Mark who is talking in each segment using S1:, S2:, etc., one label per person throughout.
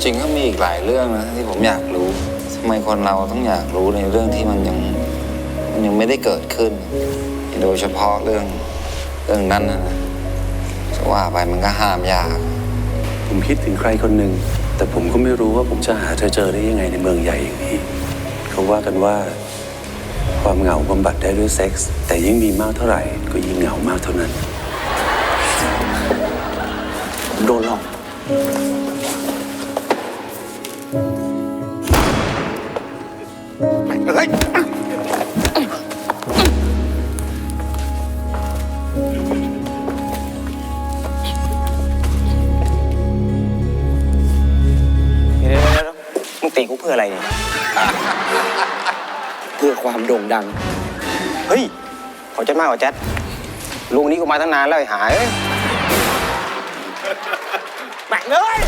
S1: จริงก็มีอีกหลายเรื่องนะที่ผมอยากรู้ทำไมคนเราต้องอยากรู้ในเรื่องที่มันยังไม่ได้เกิดขึ้น โดยเฉพาะเรื่องนั้นนะจะว่าไปมันก็ห้ามยาก
S2: ผมคิดถึงใครคนหนึ่งแต่ผมก็ไม่รู้ว่าผมจะหาเธอเจอได้ยังไงในเมืองใหญ่อย่างนี้เขาว่ากันว่าความเหงาบำบัดได้ด้วยเซ็กส์แต่ยิ่งมีมากเท่าไหร่ก็ยิ่งเหงามากเท่านั้นผมโดนหลอก
S3: เฮ้ยมึงตีกูเพื่ออะไรเนี่ย เพื่อความโด่งดัง เฮ้ยขอใจมากกว่าแจ๊ดลุงนี้กูมาตั้งนานแล้วไอ้หายแม่งเอ้ย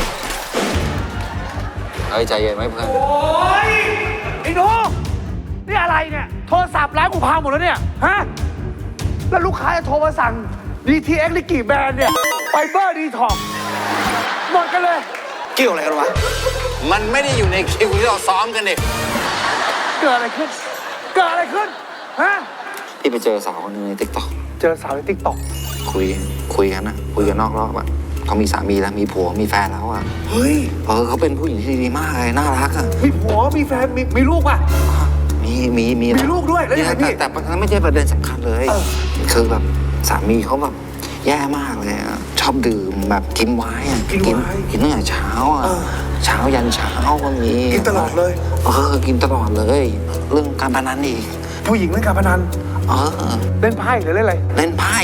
S1: เฮ้ยใจเย็นไหมเพื่อน
S4: โอ้ยไอ้หนูนี่อะไรเนี่ยโทรศัพท์ร้านกูพังหมดแล้วเนี่ยฮะแล้วลูกค้าจะโทรมาสั่ง DTX ลิกี่แบรนด์เนี่ยไฟเบอร์ดีท็อกหมดกันเลย
S3: เกี่ยวอะไรกันวะ
S1: มันไม่ได้อยู่ในคิวที่เราซ้อมกันเด็ก
S4: เกิดอะไรขึ้นเกิดอะไรขึ้นฮะ
S1: พี่ไปเจอสาวคนนึงในติ๊กต็อก
S4: เจอสาวในติ๊กต็อก
S1: คุยกันนอกรอบอะเขามีสามีแล้วมีผัวมีแฟนแล้วอะ
S4: เฮ้ย
S1: เขาเป็นผู้หญิงที่ดีมากเลยน่ารักอะ
S4: มีผัวมีแฟนมีลูกป่ะ
S1: มี
S4: ลูกด้วยแล้วยังไงพี่
S1: แต่มันไม่ใช่ประเด็นสำคัญเลย คือแบบสามีเขาแบบแย่มากเลยอะชอบดื่มแบบกินไวน์อะกินตั้งแต่เช้าอะเช้ายันเช้าก็มี
S4: กินตลอดเลย
S1: กินตลอดเลย เรื่องการพนันอีก
S4: ผู้หญิงเล่นการพนันเล่นไพ่หรือเล่นอะไร
S1: เล่นไพ่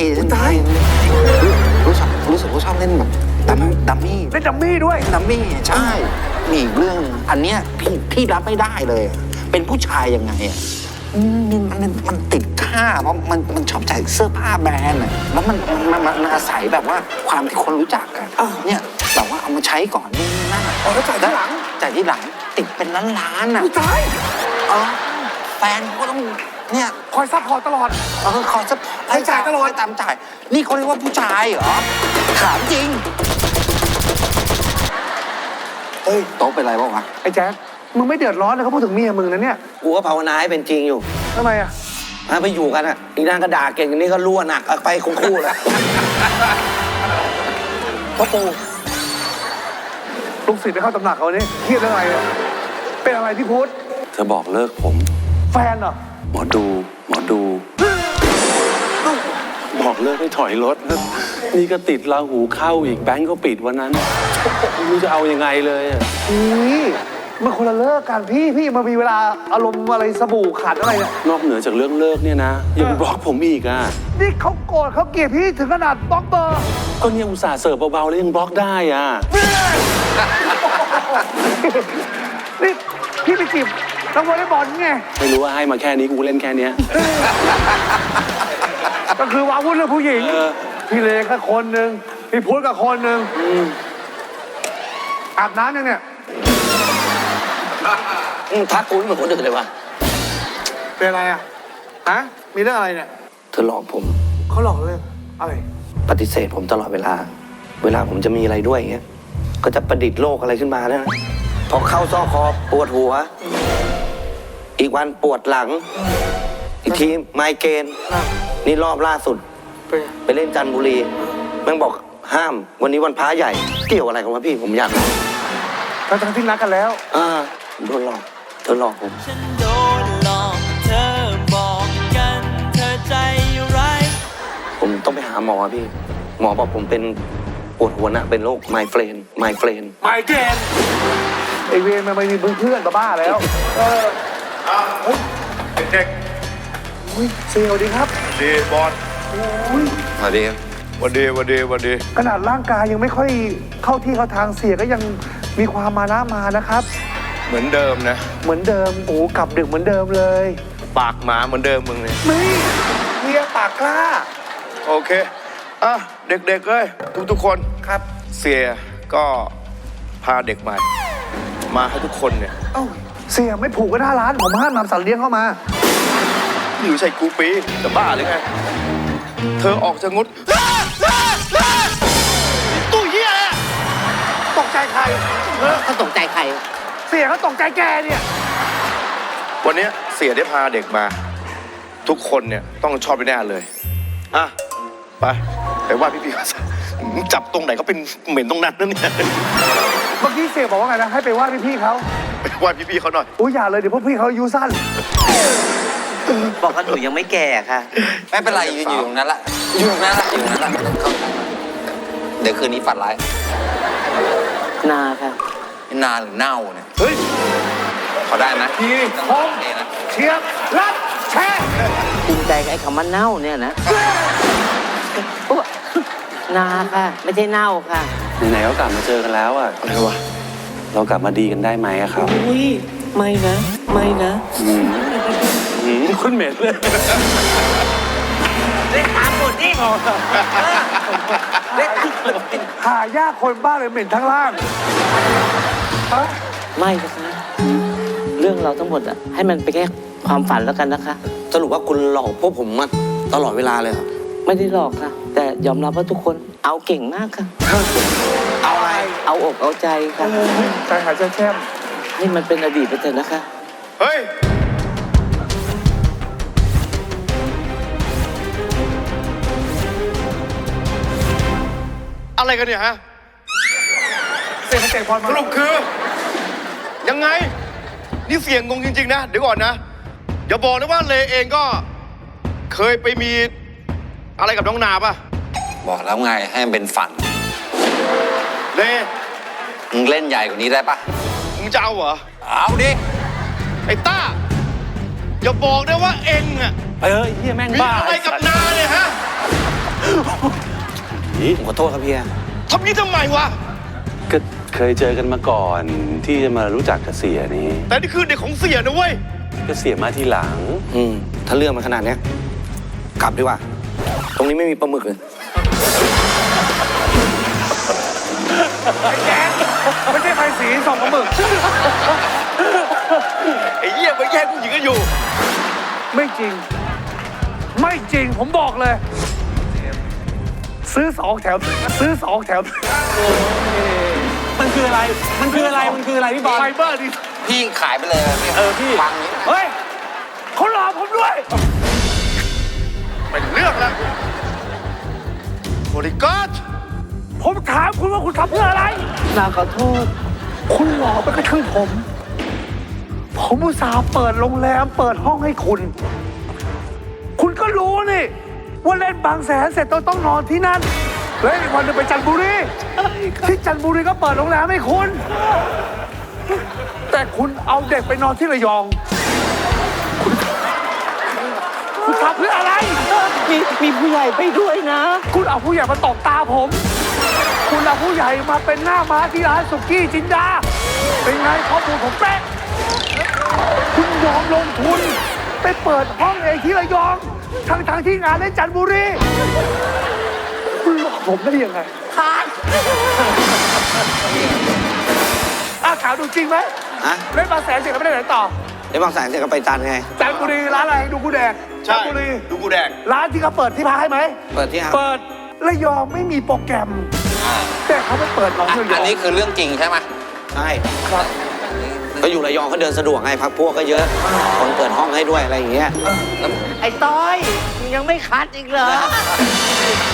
S1: รู้สึกว่าชอบเล่นแบบดัมมี่
S4: เล่นดัมมี่ด้วย
S1: ดัมมี่ใช่มีอีกเรื่องอันเนี้ยพี่รับไม่ได้เลยอะเป็นผู้ชายยังไงอ่ะมันติดค่าเพราะมันชอบใส่เสื้อผ้าแบรนด์อะแล้วมันอาศัยแบบว่าความที่คนรู้จักอะเนี่ยแต่ว่าเอามาใช้ก่อนนี่นั่นอะ
S4: แล้วจ่ายที่หลัง
S1: จ่ายที่หลังติดเป็นล้านๆอ่ะ
S4: ตาย
S1: แฟนก็ต้องเนี่ย
S4: คอยซัพพอร์ตตลอด
S1: ขอซัพพอร์ตให้จ่ายตลอดตามจ่ายนี่เขาเรียกว่าผู้ชายเหรอถามจริงเฮ้ยโต๊ะเป็นไรบ้างวะ
S4: ไอ้แจ๊คมึงไม่เดือดร้อนเลยเขาพูดถึงเมียมึงนะเนี่ย
S3: กูก็ภาวนาให้เป็นจริงอยู่
S4: ทำไมอ่ะ
S3: ถ้าไปอยู่กันอ่ะอีนางก็ด่าเก่งอันนี้ก็รั่วหนักไปคู่เลย
S4: พ่อปู่ลูกศิษย์ไปเข้าตำหนักเขาเนี่ยเครียดเรื่องอะไรเนี่ยเป็นอะไรพี่พุทธ
S2: เธอบอกเลิกผม
S4: แฟนเหรอ
S2: หมอดูบอกเลิกให้ถอยรถนี่ก็ติดราหูเข้าอีกแบงก์ก็ปิดวันนั้นไม่รู้จะเอายังไงเลยอะ
S4: นี่มันคนละเลิกกันพี่มามีเวลาอารมณ์อะไรสบู่ขัดอะไรเนี่ย
S2: นอกเหนือจากเรื่องเลิกเนี่ยนะยังบล็อกผมอีกอ่ะ
S4: นี่เขาโกรธเขาเกลียดพี่ถึงขนาดบล็อกเบอร์
S2: ก็เนี่ยอุตส่าห์เสิร์ฟเบาๆแล้วยังบล็อกได้อ่ะ
S4: นี่พี่ไปจีบนักวอลเลย์บอลไง
S2: ไม่รู้ว่าให้มาแค่นี้กูเล่นแค่เนี้ย
S4: ก็คือวาวุ่นเรื่องผู้หญิง พี่เลก็คนหนึ่งพี่พุทธก็คนหนึ่งอาบน้ำยังเนี่ย
S3: ทักกูไม่เหมือนคนอื่นเลยวะ
S4: เป็นอะไรอ่ะฮะมีเรื่องอะไรเนี่ย
S3: เธอหลอกผม
S4: เขาหลอกเรื่องอะไร
S3: ปฏิเสธผมตลอดเวลาผมจะมีอะไรด้วยอย่างเงี้ยก็จะประดิษฐ์โรคอะไรขึ้นมาเนี่ยนะพอเข้าซอกคอปวดหัว อีกวันปวดหลัง อีกทีไมเกรนนี่รอบล่าสุด ไปเล่นจันทบุรีแม่งบอกห้ามวันนี้วันพระใหญ่เกี่ยวอะไรกันวะพี่ผมอยากรู้
S4: ทั้งที่นัดกันแล้ว
S3: ผมโดนหลอกเธอหลอกผม
S5: ฉันโดนหลอกเธอบอกกันเธอใจร้าย
S3: ผมต้องไปหาหมอพี่หมอบอกผมเป็นปวดหัวหนะเป็นโรคไมเกรน
S4: ไมเกรนไอเวรมันไม่มีเพื่อนบ้าๆแล้วเฮ้ยเด็กๆอุ้ยเซลดีครับ
S6: ดีบอล
S4: อุ้ย
S1: สวัสดีครับ
S6: วันดี
S4: ขนาดร่างกายยังไม่ค่อยเข้าที่เข้าทางเสียก็ยังมีความมานะมานะครับ
S6: เหมือนเดิมนะ
S4: เหมือนเดิมโอ้กลับดึกเหมือนเดิมเลย
S6: ปากหมาเหมือนเดิมมึงเนี่ย
S4: ไม่เมียปากกล้า
S6: โอเคเด็กๆเอ้ยทุกคน
S4: ครับ
S6: เสียก็พาเด็กใหม่มาให้ทุกคนเนี่ย
S4: เอ้าเสียไม่ผูกกันหน้าร้านผมห้ามนำสัตว์เลี้ยงเข้ามา
S6: อยู่ใส่กูปีจะบ้าหรือไงเธอออกจะงดตู้เหี้ย
S4: ตกใจใคร
S7: เขาตกใจใคร
S4: เสียเขาตกใจแกเนี่ย
S6: วันนี้เสียได้พาเด็กมา ทุกคนเนี่ยต้องชอบไปแน่เลย อ่ะ ไปว่าพี่ๆเขาซะจับตรงไหนก็เป็นเหม็นตรงนั้นนั่นเนี่ย
S4: เมื่อกี้เสียบอกว่าไงนะ ให้ไปว่าพี่ๆเขา
S6: ไปว่าพี่ๆเขาหน่อย
S4: อุ้ยอย่าเลยเดี๋ยวพวกพี่เขาอายุสั้น
S7: บอกว่าหนูยังไม่แก่ค่ะ
S1: ไม่เป็นไรยืนอยู่ตรงนั้นละอยู่ตรงนั้นละอยู่ตรงนั้นละเดี๋ยวคืนนี้ฝันร้าย
S7: นาค่ะ
S1: นานหรือเน่าเนี่ย
S4: เฮ้ย
S1: เขาได้ไหม
S4: ทีพง
S1: เนะ
S4: เชียบรัดแช่
S7: ภูมิใจกับไอ้คำว่าเน่าเนี่ยนะอุ๊ยนาค่ะ ไม่ใช่เน่าค่ะ
S2: ไหนๆก็กลับมาเจอกันแล้วอ่ะ
S6: อะไรวะ
S2: เรากลับมาดีกันได้ไหมอะครับ
S7: อุ้ย ไม่นะ ไม่นะ
S2: คุณเหม็นเลย
S7: เล่นตามบทดิ
S4: หายากคนบ้าเลยเหม็นทั้งล่างฮะ
S7: ไม่นะคะ เรื่องเราทั้งหมดอะให้มันไปนแค่ความฝันแล้วกันนะคะ
S3: สรุปว่าคุณหลอกพวกผมมาตลอดเวลาเลยครับ
S7: ไม่ได้หลอกค่ะ แต่ยอมรับว่าทุกคนเอาเก่งมากค่ะ
S3: เอาอะไร
S7: เอาอกเอาใจค่ะ
S4: ใจหายใจแช่ม
S7: ให้มันเป็นอดีตไปเถอะนะคะ
S6: เฮ้ย อะไรกันเนี่ยฮะ
S4: เสียงเตะบอล
S6: ส
S4: มา
S6: รุปคือ ยังไง นี่เสียงงงจริง ๆ นะ เดี๋ยวก่อนนะ อย่าบอกนะว่าเลเองก็ เคยไปมีอะไรกับน้องนาป่ะ
S1: บอกแล้วไงให้มันเป็นฝัน
S6: เล
S1: มึงเล่นใหญ่กว่านี้ได้ปะ
S6: มึงจะเอาเหรอ
S1: เอาดิ
S6: ไอ้ต้า อย่าบอกนะว่าเองอะ
S2: เเฮียแม่ง
S6: มี
S2: บ้า
S6: อะไรกับนาเนี่ยฮะ
S3: ผมขอโทษครับเฮีย
S6: ทำนี้ทำไมวะ
S2: ก็เคยเจอกันมาก่อนที่จะมารู้จักกับเสียนี้
S6: แต่นี่คือเด็กของเสียนะเว้ย
S2: ก็เสียมาทีหลัง
S3: ถ้าเรื่องมันขนาดเนี้ยกลับดีกว่า ตรงนี้ไม่มีปลาหมึกเลย
S4: แกไม่ใช่ไฟสีส่องกระหมึก
S6: ไอ้เหี้ยมาแย่งผู้หญิงกันอยู่
S4: ไม่จริง ไม่จริงผมบอกเลย ซื้อ2 แถม ซื้อ2 แถม
S2: มันคืออะไร มันคืออะไร มันคืออะไรพี่บอล
S4: ไฟเบอร์ดิ
S1: พี่ขายไปเลยพี่
S2: พี่
S1: ฟังนี้
S4: เฮ้ยเขาหลอกผมด้วย
S6: เป็นเรื่องแล้วบริการ
S4: ผมถามคุณว่าคุณทำเพื่ออะไร
S7: นาขอโทษ
S4: คุณหลอกไปกระทั่งผม ผมอุตส่าห์เปิดโรงแรม เปิดห้องให้คุณ คุณก็รู้นี่ว่าเล่นบางแสนเสร็จต้องนอนที่นั่น แล้วอีกวันหนึงไปจันทบุรี ที่จันทบุรีก็เปิดโรงแรมให้คุณ แต่คุณเอาเด็กไปนอนที่ระยอง คุณทำเพื่ออะไร
S7: มีผู้ใหญ่ไปด้วยนะ
S4: คุณเอาผู้ใหญ่มาตบตาผม คุณเอาผู้ใหญ่มาเป็นหน้าม้าที่ร้านสุกี้จินดา เป็นไงข้อมูลผมเป๊ะ คุณยอมลงทุน ไปเปิดห้องเองที่ระยอง ทั้งที่งานในจันทบุรี คุณหลอกผมได้ยังไงถามดูจริงไหม
S3: ฮะ
S4: เล่นบางแสนเสร็จแล้วไม่ได้ไหนต่อ
S3: ไอ้บางแสนเสร็จก็ไปจันทร์ไง
S4: จันทบุรีร้านอะไรดูกูแดง
S6: ใช่
S4: จันทบุรี
S6: ดูกูแดง
S4: ร้านที่เขาเปิดที่พักให้ไหม
S3: เปิดที่ห้าง
S4: เปิดระยองไม่มีโปรแกรม แต่เขาไปเปิดน้องระย
S1: อั
S4: อน ง
S1: นี้คือเรื่องจริงใช่ไหม
S3: ใช่ก็อยู่ระยองเขาเดินสะดวกไงพักพวกก็เยอะ คนเปิดห้องให้ด้วยอะไรอย่างเงี้ย
S7: ไอ้ต้อยมึงยังไม่คัดอีกเหรอ